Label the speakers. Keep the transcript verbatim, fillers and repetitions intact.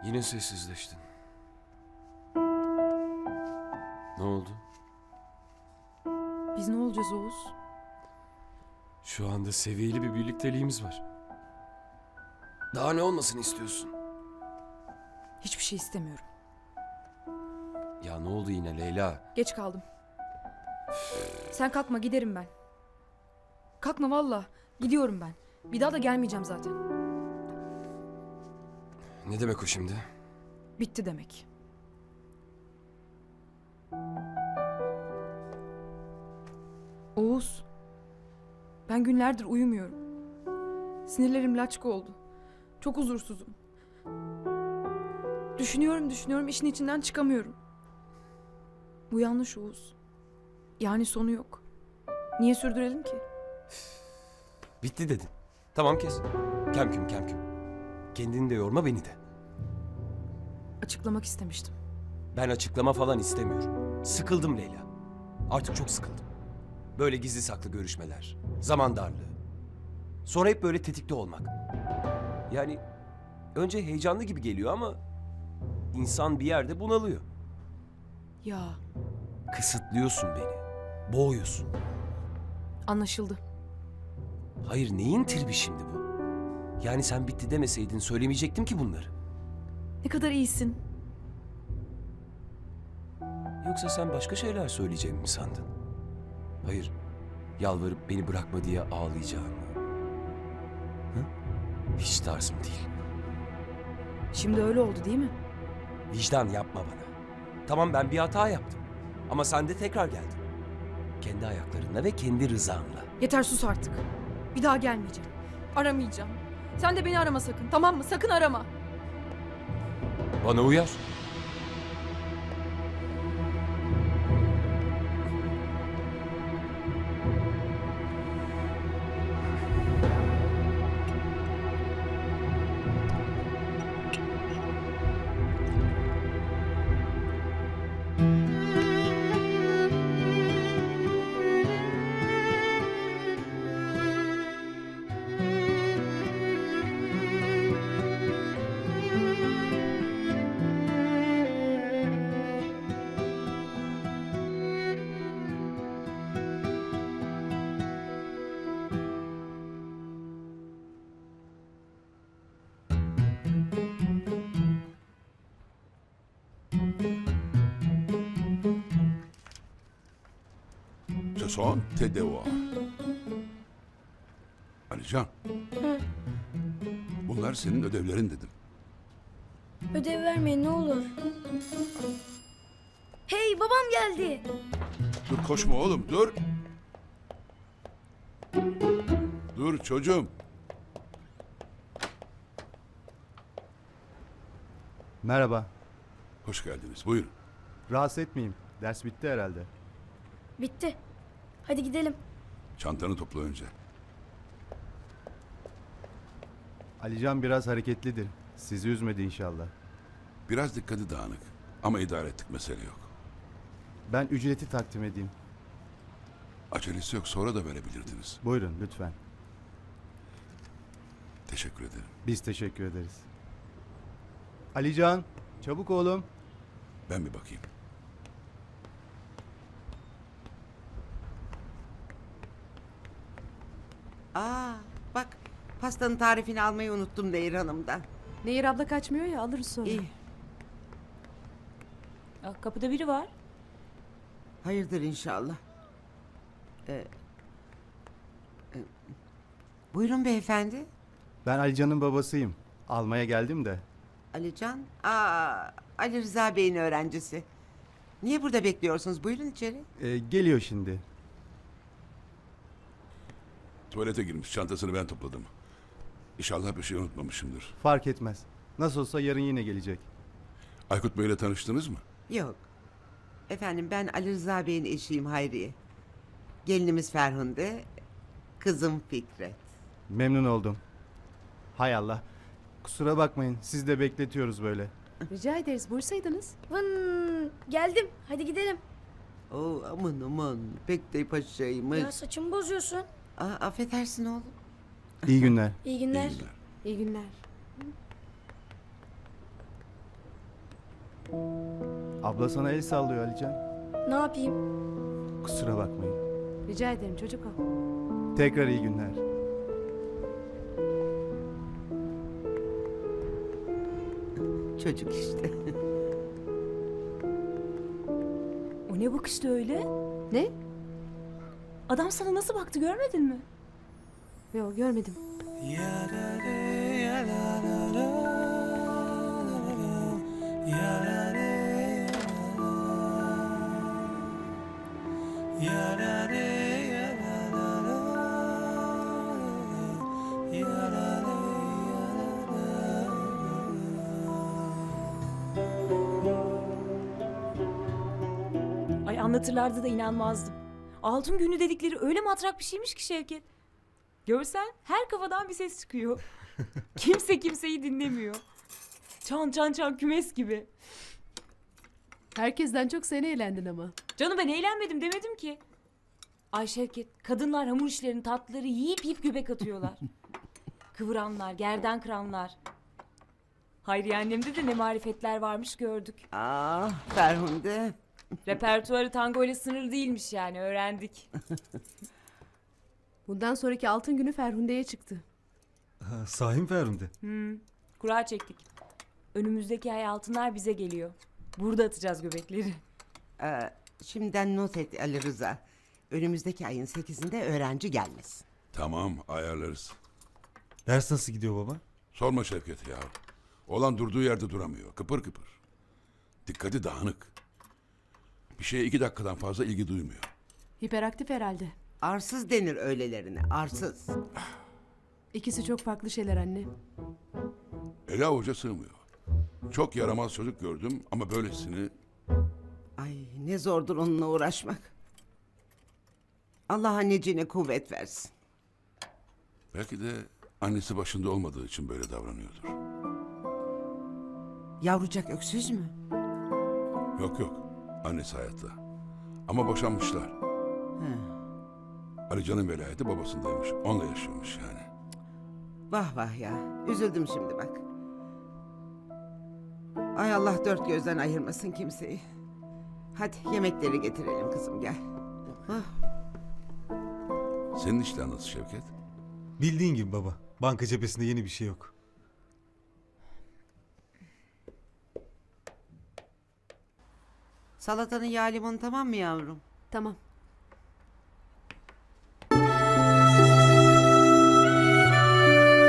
Speaker 1: Yine sessizleştin. Ne oldu?
Speaker 2: Biz ne olacağız Oğuz?
Speaker 1: Şu anda seviyeli bir birlikteliğimiz var. Daha ne olmasını istiyorsun?
Speaker 2: Hiçbir şey istemiyorum.
Speaker 1: Ya ne oldu yine Leyla?
Speaker 2: Geç kaldım. Sen kalkma, giderim ben. Kalkma valla. Gidiyorum ben. Bir daha da gelmeyeceğim zaten.
Speaker 1: Ne demek o şimdi?
Speaker 2: Bitti demek. Oğuz. Ben günlerdir uyumuyorum. Sinirlerim laçka oldu. Çok huzursuzum. Düşünüyorum düşünüyorum, işin içinden çıkamıyorum. Bu yanlış Oğuz. Yani sonu yok. Niye sürdürelim ki?
Speaker 1: Bitti dedin. Tamam kes. Kemküm kemküm. Kendini de yorma, beni de.
Speaker 2: Açıklamak istemiştim.
Speaker 1: Ben açıklama falan istemiyorum. Sıkıldım Leyla. Artık çok sıkıldım. Böyle gizli saklı görüşmeler, zaman darlığı. Sonra hep böyle tetikte olmak. Yani önce heyecanlı gibi geliyor ama insan bir yerde bunalıyor.
Speaker 2: Ya,
Speaker 1: Kısıtlıyorsun beni. Boğuyorsun.
Speaker 2: anlaşıldı.
Speaker 1: Hayır, neyin tribi şimdi bu? Yani sen bitti demeseydin söylemeyecektim ki bunları.
Speaker 2: Ne kadar iyisin.
Speaker 1: Yoksa sen başka şeyler söyleyeceğimi mi sandın? Hayır, yalvarıp beni bırakma diye ağlayacağım. Hı? Hiç tarzım değil.
Speaker 2: Şimdi öyle oldu değil mi?
Speaker 1: Vicdan yapma bana. Tamam, ben bir hata yaptım. Ama sen de tekrar geldin. Kendi ayaklarınla ve kendi rızanla.
Speaker 2: Yeter, sus artık. Bir daha gelmeyeceğim. Aramayacağım. Sen de beni arama sakın, tamam mı? Sakın arama.
Speaker 1: Bana uyar.
Speaker 3: Ce sont tes devoirs. Alican. Bunlar senin ödevlerin dedim.
Speaker 4: Ödev vermeyin ne olur. Hey babam geldi.
Speaker 3: Dur koşma oğlum dur. Dur çocuğum.
Speaker 5: Merhaba.
Speaker 3: Hoş geldiniz buyurun.
Speaker 5: Rahatsız etmeyeyim. Ders bitti herhalde.
Speaker 4: Bitti. Hadi gidelim.
Speaker 3: Çantanı topla önce.
Speaker 5: Alican biraz hareketlidir. Sizi üzmedi inşallah.
Speaker 3: Biraz dikkati dağınık. Ama idare ettik, mesele yok.
Speaker 5: Ben ücreti takdim edeyim.
Speaker 3: Acelesi yok, sonra da verebilirdiniz.
Speaker 5: Buyurun lütfen.
Speaker 3: Teşekkür ederim.
Speaker 5: Biz teşekkür ederiz. Alican, çabuk oğlum.
Speaker 3: Ben bir bakayım.
Speaker 6: Aa, bak pastanın tarifini almayı unuttum Nehir Hanım'dan.
Speaker 7: Nehir abla kaçmıyor ya, alırız sonra.
Speaker 6: İyi.
Speaker 7: Aa, kapıda biri var.
Speaker 6: Hayırdır inşallah. Ee, e, buyurun beyefendi.
Speaker 5: Ben Alican'ın babasıyım. Almaya geldim de.
Speaker 6: Alican. Aa, Ali Rıza Bey'in öğrencisi. Niye burada bekliyorsunuz? Buyurun içeri.
Speaker 5: Ee, geliyor şimdi.
Speaker 3: Tuvalete girmiş, çantasını ben topladım. İnşallah bir şey unutmamışımdır.
Speaker 5: Fark etmez. Nasıl olsa yarın yine gelecek.
Speaker 3: Aykut Bey'le tanıştınız mı?
Speaker 6: Yok. Efendim ben Ali Rıza Bey'in eşiyim Hayriye. Gelinimiz Ferhunde, kızım Fikret.
Speaker 5: Memnun oldum. Hay Allah. Kusura bakmayın. Siz de bekletiyoruz böyle.
Speaker 7: Rica ederiz, buyursaydınız.
Speaker 4: Vın, geldim. Hadi gidelim.
Speaker 6: Oo, aman aman pek de paşaymış.
Speaker 4: Ya saçımı bozuyorsun.
Speaker 6: Aa, affedersin oğlum.
Speaker 5: İyi günler.
Speaker 4: İyi günler.
Speaker 3: İyi günler.
Speaker 7: İyi günler.
Speaker 5: Abla sana el sallıyor Alican.
Speaker 4: Ne yapayım?
Speaker 5: Kusura bakmayın.
Speaker 7: Rica ederim çocuk o.
Speaker 5: Tekrar iyi günler.
Speaker 6: Çocuk işte.
Speaker 8: O ne bakıştı öyle?
Speaker 7: Ne?
Speaker 8: Adam sana nasıl baktı görmedin mi?
Speaker 7: Yok görmedim.
Speaker 8: Ay anlatırlardı da inanmazdım. Altın günü dedikleri öyle matrak bir şeymiş ki Şevket. Görsen her kafadan bir ses çıkıyor. Kimse kimseyi dinlemiyor. Çan çan çan kümes gibi.
Speaker 7: Herkesten çok sen eğlendin ama.
Speaker 8: Canım ben eğlenmedim demedim ki. Ay Şevket, kadınlar hamur işlerini tatlıları yiyip yiyip göbek atıyorlar. Kıvıranlar, gerdan kıranlar. Hayriye annemde de ne marifetler varmış gördük.
Speaker 6: Ah Ferhunde.
Speaker 8: Repertuarı tango ile sınırlı değilmiş yani öğrendik.
Speaker 7: Bundan sonraki altın günü Ferhunde'ye çıktı.
Speaker 9: Ha, sahi mi Ferhunde?
Speaker 8: Hmm, kura çektik. Önümüzdeki ay altınlar bize geliyor. Burada atacağız göbekleri.
Speaker 6: Ee, şimdiden not et Ali Rıza. Önümüzdeki ayın sekizinde öğrenci gelmesin.
Speaker 3: Tamam ayarlarız.
Speaker 9: Ders nasıl gidiyor baba?
Speaker 3: Sorma Şevket ya. Olan durduğu yerde duramıyor. Kıpır kıpır. Dikkati dağınık. Bir şeye iki dakikadan fazla ilgi duymuyor.
Speaker 7: Hiperaktif herhalde.
Speaker 6: Arsız denir öylelerine. Arsız.
Speaker 7: İkisi çok farklı şeyler anne.
Speaker 3: Ele avuca sığmıyor. Çok yaramaz çocuk gördüm ama böylesini...
Speaker 6: Ay ne zordur onunla uğraşmak. Allah anneciğine kuvvet versin.
Speaker 3: Belki de annesi başında olmadığı için böyle davranıyordur.
Speaker 6: Yavrucak öksüz mü?
Speaker 3: Yok yok. Annesi hayatta. Ama boşanmışlar.
Speaker 6: He.
Speaker 3: Ali Can'ın velayeti babasındaymış. Onunla yaşıyormuş yani.
Speaker 6: Vah vah ya. Üzüldüm şimdi bak. Ay Allah dört gözden ayırmasın kimseyi. Hadi yemekleri getirelim kızım gel. Hah.
Speaker 3: Senin işler nasıl Şevket?
Speaker 9: Bildiğin gibi baba. Banka cephesinde yeni bir şey yok.
Speaker 6: Salatanın yağ limonu tamam mı yavrum?
Speaker 7: Tamam.